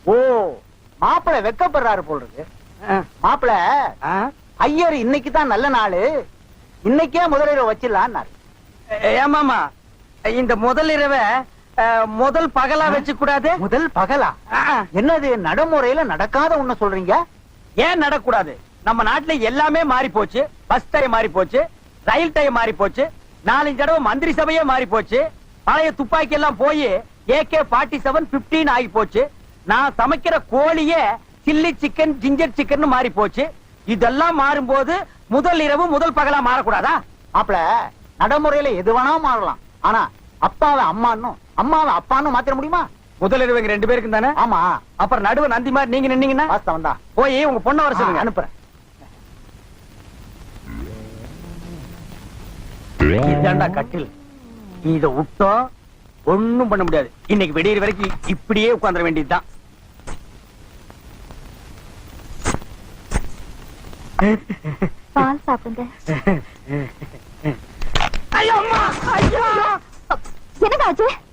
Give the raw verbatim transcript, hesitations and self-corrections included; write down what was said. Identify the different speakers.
Speaker 1: ஓ, மாப்பிள வெக்கப்படுறாரு போல் இருக்கு. மாப்பிள ஐயர் இன்னைக்குதான் நல்ல நாளு, இன்னைக்கே முதலிரவு வச்சிடலான்னாரு.
Speaker 2: ஏமாமா, இந்த முதலிரவை முதல் பகலா வச்சு கூடாது?
Speaker 1: முதல் பகலா? என்னது நடைமுறையில நடக்காத ஒண்ணு சொல்றீங்க?
Speaker 2: ஏன் நடக்கூடாது? நம்ம நாட்டுல எல்லாமே மாறி போச்சு. பஸ் டைம் மாறி போச்சு, ரயில் டைம் மாறி போச்சு, நாலஞ்சு தடவை மந்திரி சபையே மாறி போச்சு, பழைய துப்பாக்கி எல்லாம் போய் ஏகே ஃபார்ட்டி செவன் பிப்டீன் ஆகி போச்சு, நான் சமைக்கிற கோழியே சில்லி சிக்கன் ஜிஞ்சர் சிக்கன் மாறி போச்சு. இதெல்லாம் மாறும்போது முதல் இரவு முதல் பகலா மாறக்கூடாதா?
Speaker 1: மாப்பிள நடைமுறையில எது வேணா மாறலாம், ஆனா அப்பாவை அம்மான்னு அம்மாவை அப்பான்னு மாத்திர முடியுமா?
Speaker 2: முதல் இரவு ரெண்டு பேருக்கும் தானே?
Speaker 1: ஆமா.
Speaker 2: அப்புறம் நடுவு நந்தி மாதிரி நீங்க நின்னீங்கன்னா
Speaker 1: வாஸ்தவம் தான்.
Speaker 2: போய் உங்க பொண்ணை வர சொல்லுங்க,
Speaker 1: அனுப்புறேன்.
Speaker 2: இதாண்டா கட்டில். இத விட்டோம் ஒண்ணும் பண்ண முடியாது. இன்னைக்கு விடியற வரைக்கும் இப்படியே உட்கார்ந்துட வேண்டியதுதான்.
Speaker 3: பால் சாப்பிடுங்க.
Speaker 2: ஐயோ அம்மா, ஐயோ
Speaker 3: என்னங்க ஆச்சு?